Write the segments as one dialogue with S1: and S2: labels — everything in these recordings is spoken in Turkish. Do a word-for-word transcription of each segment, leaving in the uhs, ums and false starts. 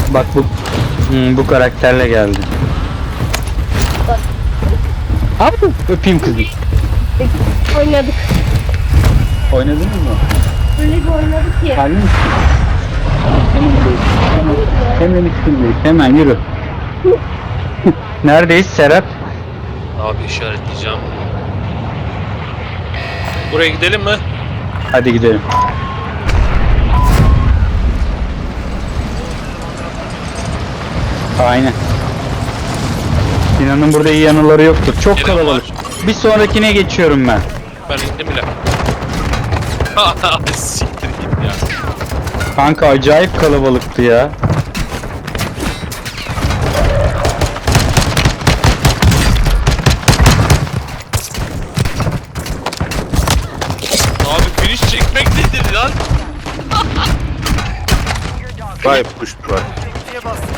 S1: Bak bu hmm, bu karakterle geldi. Abi öpeyim kızı.
S2: Oynadık.
S1: Oynadınız mı?
S2: Öyle bir oynadık ki.
S1: Halil misin? Hemen üstündeyiz. Hemen yürü. Neredeyiz Serap?
S3: Abi işaretleyeceğim. Buraya gidelim mi?
S1: Hadi gidelim. Aynen. Sinan'ın burada iyi yanıları yoktur. Çok
S3: Gelen
S1: kalabalık. Bir sonrakine geçiyorum ben.
S3: Ben indim bile. Siktir git ya.
S1: Kanka acayip kalabalıktı ya.
S3: Abi finish çekmek nedir lan?
S4: Vay puşt var.
S5: Diye bastım.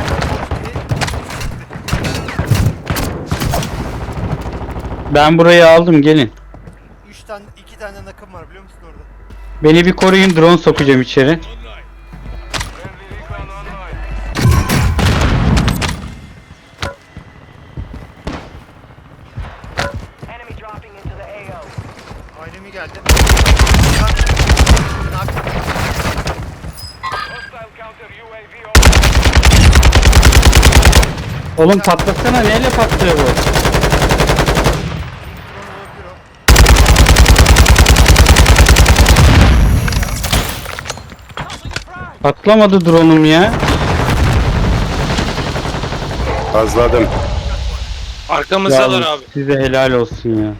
S1: Ben burayı aldım, gelin.
S5: Üç tane, iki tane nakım var biliyor musun orada?
S1: Beni bir koruyun, drone sokacağım içeri.
S5: Ailemi geldi.
S1: Oğlum patlasana, neyle patlıyor bu? Patlamadı drone'um ya.
S4: Azladım.
S3: Arkamızdalar
S1: Ya
S3: abi.
S1: size helal olsun ya.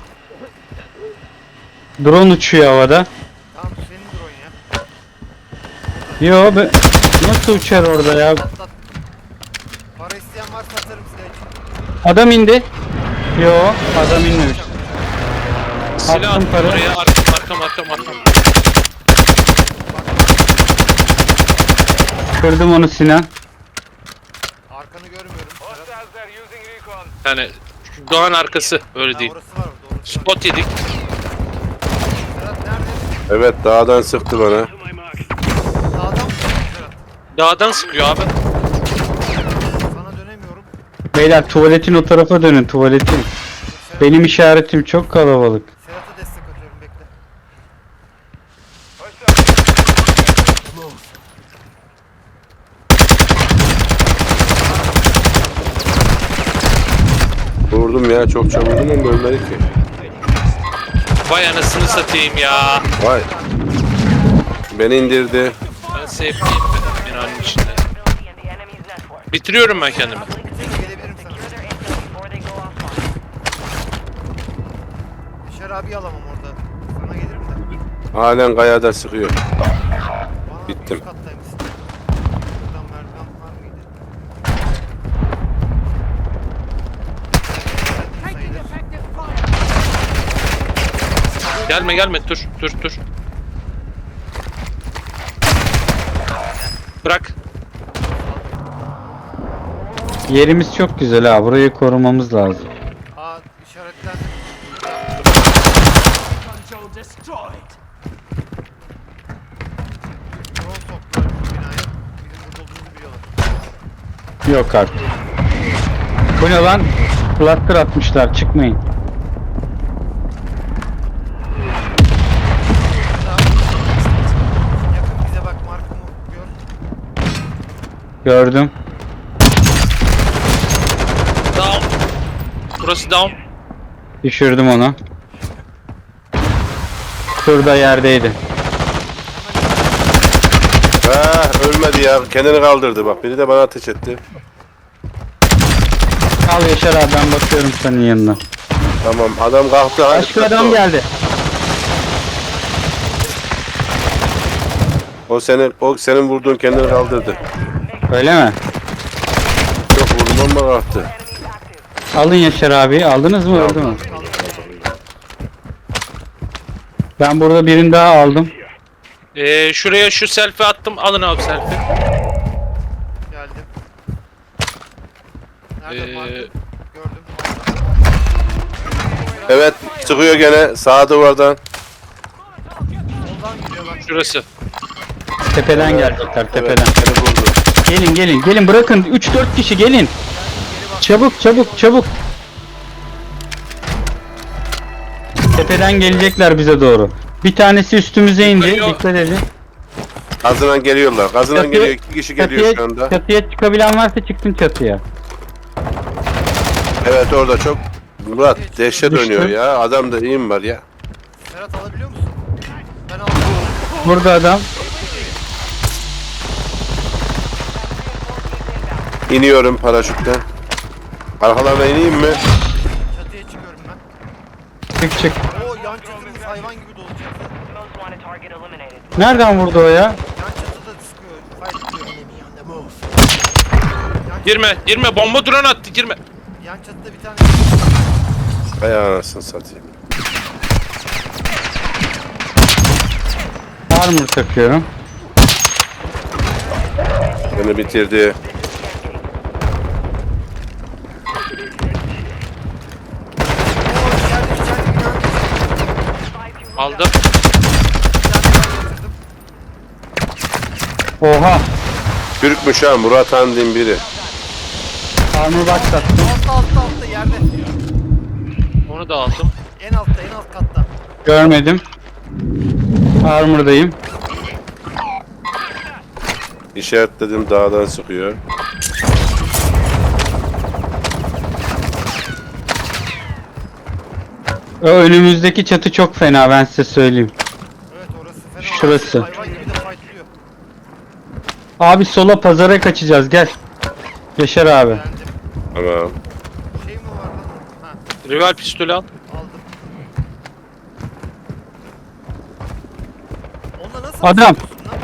S1: Drone uçuyor havada.
S5: Tamam senin drone ya.
S1: Yo be, nasıl uçar orada ya?
S5: Tat, tat. Para isteyen varsa atarım size.
S1: Adam indi. Yo, adam inmemiş.
S3: Silah
S1: Attım
S3: attım
S1: para.
S3: oraya. Arkam arkam arkam arkam.
S1: Kırdım onu Sinan.
S5: Arkanı görmüyorum. Serhat.
S3: Yani şu Doğan arkası öyle
S5: Ha,
S3: değil.
S5: orası var orada. Orası var.
S3: Spot yedik.
S5: Serhat nerede?
S4: Evet dağdan sıktı bana.
S5: Dağdan mı? Serhat.
S3: Dağdan sıkıyor abi.
S5: Sana dönemiyorum.
S1: Beyler tuvaletin o tarafa dönün, tuvaletin.
S5: Serhat,
S1: Benim işaretim çok kalabalık.
S5: Serhat'a destek atıyorum bekle.
S4: Vurdum ya çok çabuk vurdum ama ölmedi ki.
S3: Vay anasını satayım ya.
S4: Vay. Beni indirdi.
S3: Ben safe'liyim ben binanın içinde. Bitiriyorum ben kendimi.
S5: Gelebilirim sana. Dışarı abi alamam orada. Sana gelirim de.
S4: Halen kayada sıkıyor.
S5: Bana
S4: Bittim.
S5: üst kattaymışsın. Buradan merdiven var mıydı?
S3: Gelme gelme dur dur dur. Bırak.
S1: Yerimiz çok güzel ha, burayı korumamız lazım.
S5: Aa işaretlendi. Drone soktular bu binaya. Bizim burada olduğumuzu biliyorlar.
S1: Yok artık. Bu ne lan? Cluster atmışlar, çıkmayın.
S5: Yakın bize bak markamı gör.
S1: Gördüm.
S3: Down. Burası down.
S1: Düşürdüm onu. Şurada yerdeydi.
S4: Ha ölmedi ya. Kendini kaldırdı bak. Biri de bana ateş etti.
S1: Al Yaşar abi, ben bakıyorum senin yanına.
S4: Tamam adam kalktı. Hadi
S1: Başka
S4: kalktı
S1: adam
S4: o.
S1: geldi.
S4: O senin o senin vurduğun kendini kaldırdı.
S1: Öyle mi?
S4: Çok vurdum ama kalktı.
S1: Alın Yaşar abi. Aldınız mı? Öldü mü? Ben burada birini daha aldım.
S3: Ee, şuraya şu selfie attım. Alın abi selfie.
S5: Geldim. Nerede
S3: Ee,
S5: markam? Gördüm.
S4: Evet sıkıyor gene sağ duvardan.
S5: Soldan gidiyor bak.
S3: Şurası.
S1: Tepeden gelecekler, tepeden.
S4: Evet, beni vurdu.
S1: Gelin gelin gelin bırakın üç dört kişi gelin.
S5: Geri bak.
S1: Çabuk çabuk çabuk. Tepeden gelecekler bize doğru. Bir tanesi üstümüze indi.
S3: Geliyor.
S1: Dikkat edin.
S4: Gazından geliyorlar. Gazından
S1: Çatıya-
S4: geliyor. İki kişi geliyor
S1: Çatıya,
S4: şu anda.
S1: çatıya çıkabilen varsa çıksın çatıya.
S4: Evet orada çok. Murat dehşet
S1: Düştü.
S4: dönüyor ya. Adamda iyim var ya.
S5: Ferhat alabiliyor musun? Ben aldım.
S1: Burada adam.
S4: İniyorum paraşütten. Arkalarına ineyim mi?
S5: Çatıya çıkıyorum ben.
S1: Çık çık.
S5: Oo yan çatımız hayvan gibi dolu çatı.
S1: Nereden vurdu o ya?
S5: Yan çatıda sıkıyor. Fight diyor. Yan,
S3: Girme, girme. Bomba drone attı, girme.
S5: yan çatıda bir tane
S4: Ay anasını satayım.
S1: Armor takıyorum.
S4: Beni bitirdi.
S5: Oo içeride içeride bir tane
S3: Aldım.
S5: yatırdım.
S1: Oha.
S4: Türkmüş ha Murat Handin biri.
S1: Armor box taktım.
S5: Altta altta altta yerde.
S3: Onu da aldım.
S5: En altta en alt katta.
S1: Görmedim. Armor'dayım.
S4: İşaretledim dağdan sıkıyor.
S1: O önümüzdeki çatı çok fena ben size söyleyeyim.
S5: Evet orası fena.
S1: Şurası.
S5: Hayvan gibi de fightlıyor.
S1: Abi sola pazara kaçacağız gel. Yaşar abi.
S5: Geldim.
S4: Tamam.
S5: Şey mi var lan? Ha
S3: Rival pistolü al.
S5: aldım. Onunla nasıl
S1: Adam.
S5: yapıyorsun lan?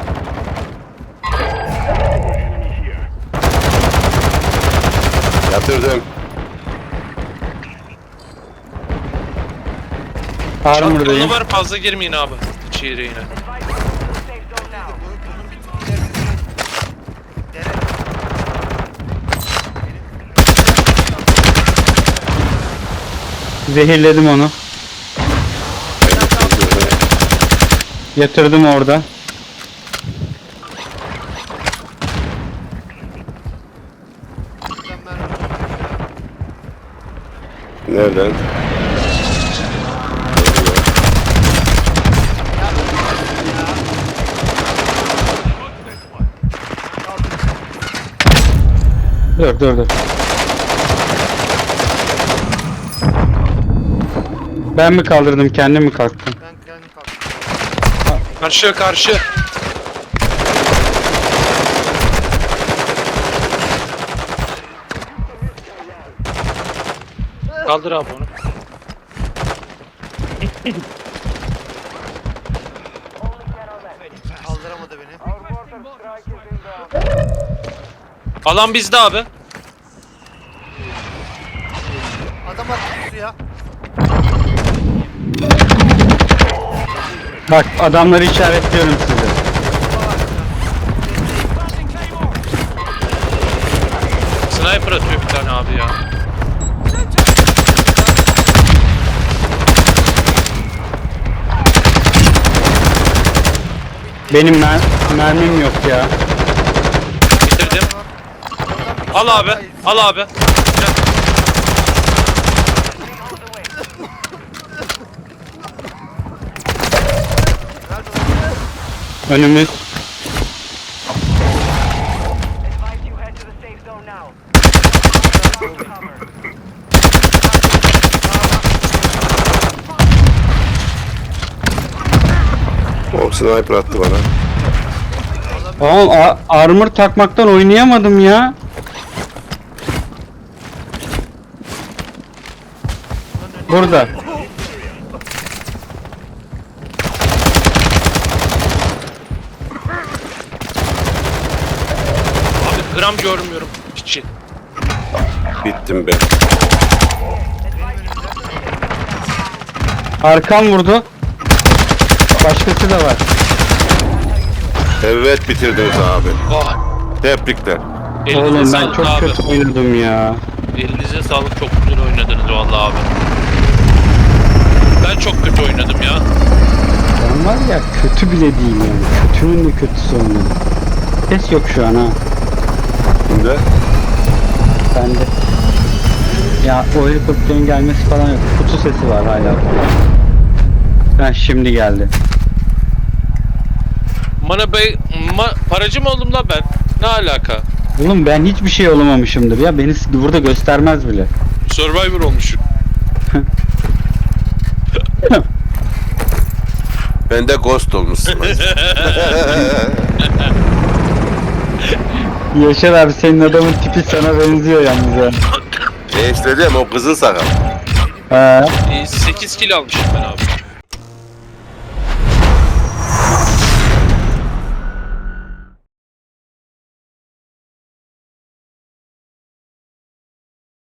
S4: Yatırdım.
S1: Armor'dayım.
S3: Çatkalı var, fazla girmeyin abi. İçeriye yine.
S5: Bu- Bunun bir tık ilerisinde. Dere.
S1: Zehirledim onu. Yatırdım orada.
S5: Buradan mermi.
S4: Nereden?
S1: Dur dur dur. Ben mi kaldırdım kendim mi kalktım?
S5: Ben kendim kalktım.
S3: Karşı, karşı. Kaldır abi onu.
S5: Kaldıramadı beni.
S3: Alan bizde abi.
S5: Adam attı suya.
S1: Bak adamları işaretliyorum size.
S3: Sniper atıyor bir tane abi ya.
S1: Benim mer mermim yok ya.
S3: Bitirdim. Al abi, al abi. Gel.
S1: Önümüz.
S4: O sniper attı bana.
S1: Oğlum a- armor takmaktan oynayamadım ya. Burada.
S3: Abi gram görmüyorum hiç.
S4: Bittim ben.
S1: Arkam vurdu. Başkası da var.
S4: Evet bitirdiniz abi.
S3: Oh.
S4: Tebrikler.
S3: Elinize
S1: Oğlum ben
S3: sağlık
S1: çok
S3: abi.
S1: kötü oynadım ya.
S3: Elinize sağlık, çok güzel oynadınız vallahi abi. Ben çok kötü oynadım ya.
S1: Ben var ya kötü bile değil yani. Kötünün de kötüsü oynadım. Ses yok şu an ha.
S4: Şimdi
S1: Bende. Ya o helikopterin gelmesi falan yok. Kutu sesi var hala. Ha şimdi geldi.
S3: Mana bey, ma, paracı mı oldum lan ben? Ne alaka?
S1: Oğlum ben hiçbir şey olamamışımdır ya. Beni s- burada göstermez bile.
S3: Survivor olmuşum.
S4: ben de ghost olmuşsun.
S1: Yaşar abi senin adamın tipi sana benziyor yalnız ya.
S4: e işte diyeyim o kızıl sakal.
S1: Ha.
S3: sekiz kilo almışım ben abi.